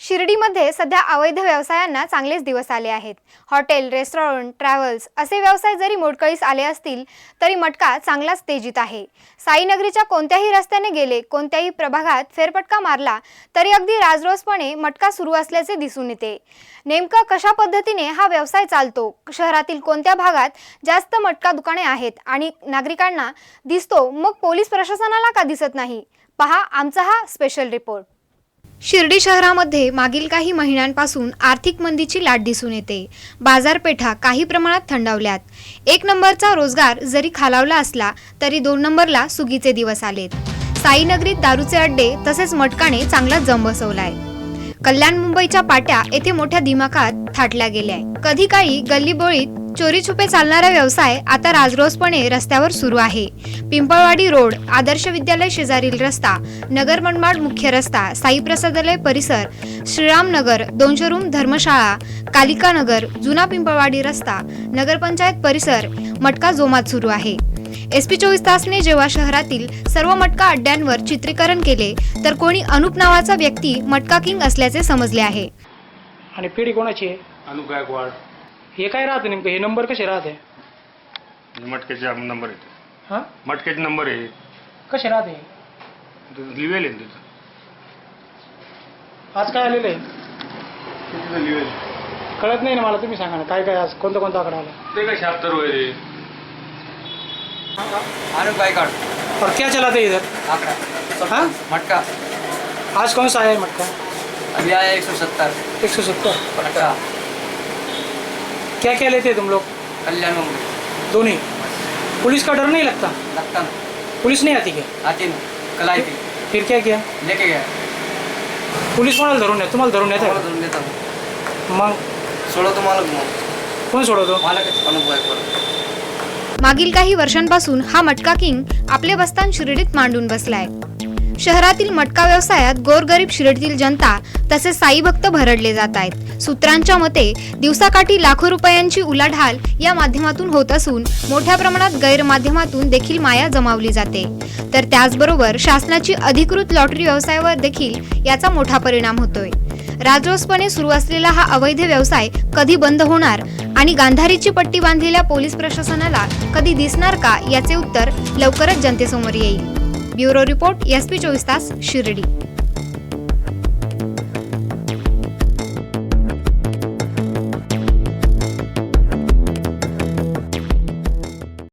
शिर्डीमध्ये सध्या अवैध व्यवसायांना चांगलेच दिवस आले आहेत। हॉटेल, रेस्टॉरंट, ट्रॅव्हल्स असे व्यवसाय जरी मोडकळीस आले असतील तरी मटका चांगलाच तेजीत आहे। साईनगरीच्या कोणत्याही रस्त्याने गेले, कोणत्याही प्रभागात फेरफटका मारला तरी अगदी राजरोसपणे मटका सुरू असल्याचे दिसून येते। नेमका कशा पद्धतीने हा व्यवसाय चालतो, शहरातील कोणत्या भागात जास्त मटका दुकाने आहेत आणि नागरिकांना दिसतो, मग पोलीस प्रशासनाला का दिसत नाही? पहा आमचा हा स्पेशल रिपोर्ट। शिर्डी शहरामध्ये मागील काही महिन्यांपासून आर्थिक मंदीची लाट दिसून येते। बाजारपेठा काही प्रमाणात थंडावल्यात। 1 नंबरचा रोजगार जरी खालावला असला तरी 2 नंबरला सुगीचे दिवस आलेत। साईनगरीत दारूचे अड्डे तसेच मटकाने चांगला जम बसवलाय। कल्याण मुंबईच्या पाट्या येथे मोठ्या दिमाखात थाटल्या गेल्या। कधी काळी गल्लीबोळीत चोरी छुपे चालणारा व्यवसाय आता राजरोसपणे रस्त्यावर सुरू आहे। पिंपळवाडी रोड, आदर्श विद्यालय शेजारील रस्ता, नगर मनमाड मुख्य रस्ता, साई प्रसादालय परिसर, श्रीराम नगर, 200 रूम धर्मशाळा, कालिका नगर, जुना पिंपळवाडी रस्ता, नगरपंचायत परिसर मटका जोमात सुरू आहे। SP 24 तासने जेव्हा शहरातील सर्व मटका अड्ड्यांवर चित्रीकरण केले तर कोणी अनुप नावाचा व्यक्ती मटका किंग असल्याचे समजले आहे। आणि पिढी कोणाची आहे? अनुप गायकवाड। हे काय राहते नेमकं? हे नंबर कसे राहते? मटक्याचे नंबर आहेत। हां, मटक्याचे नंबर आहेत। कसे राहते? लिवेल आहे तिथं। आज काय आलेलं आहे? तिथं लिवेल कळत नाही ना मला, तुम्ही सांगा ना काय काय आज कोणता आकडा आला? ते काय 76 वगैरे। अनुप गायकवाड। और क्या चलाते इधर? आंकड़ा। हाँ? मटका आज कौन सा है मटका? अभी आया 170। 170। मटका क्या क्या लेते तुम लोग? कल्याण मुंबई। दोनों? पुलिस का डर नहीं लगता? लगता ना, पुलिस नहीं आती क्या? आती ना, कल आई थी, फिर क्या किया? लेके गया। पुलिस कोणाला धरून येते? तुम्हाला धरून येते? तुम्हाला धरून देता ना। मग सोडो तुम्हाला मग। कोण सोडवतो? मालक अनुप गायकवाड। मागील काही वर्षांपासून हा मटका किंग आपले बस्तान शिर्डीत मांडून बसलाय। शहरातील मटका व्यवसायात गोरगरीब शिर्डीतील जनता तसेच साई भक्त भरडले जात आहेत। सूत्रांच्या मते दिवसाकाठी लाखो रुपयांची उलाढाल या माध्यमातून होत असून मोठ्या प्रमाणात गैरमाध्यमातून देखील माया जमावली जाते। तर त्याचबरोबर शासनाची अधिकृत लॉटरी व्यवसायावर देखील याचा मोठा परिणाम होतोय। राजरोसपणे सुरू असलेला हा अवैध व्यवसाय कधी बंद होणार आणि गांधारीची पट्टी बांधलेल्या पोलीस प्रशासनाला कधी दिसणार का, याचे उत्तर लवकरच जनतेसमोर येईल। ब्युरो रिपोर्ट SP 24 तास शिर्डी।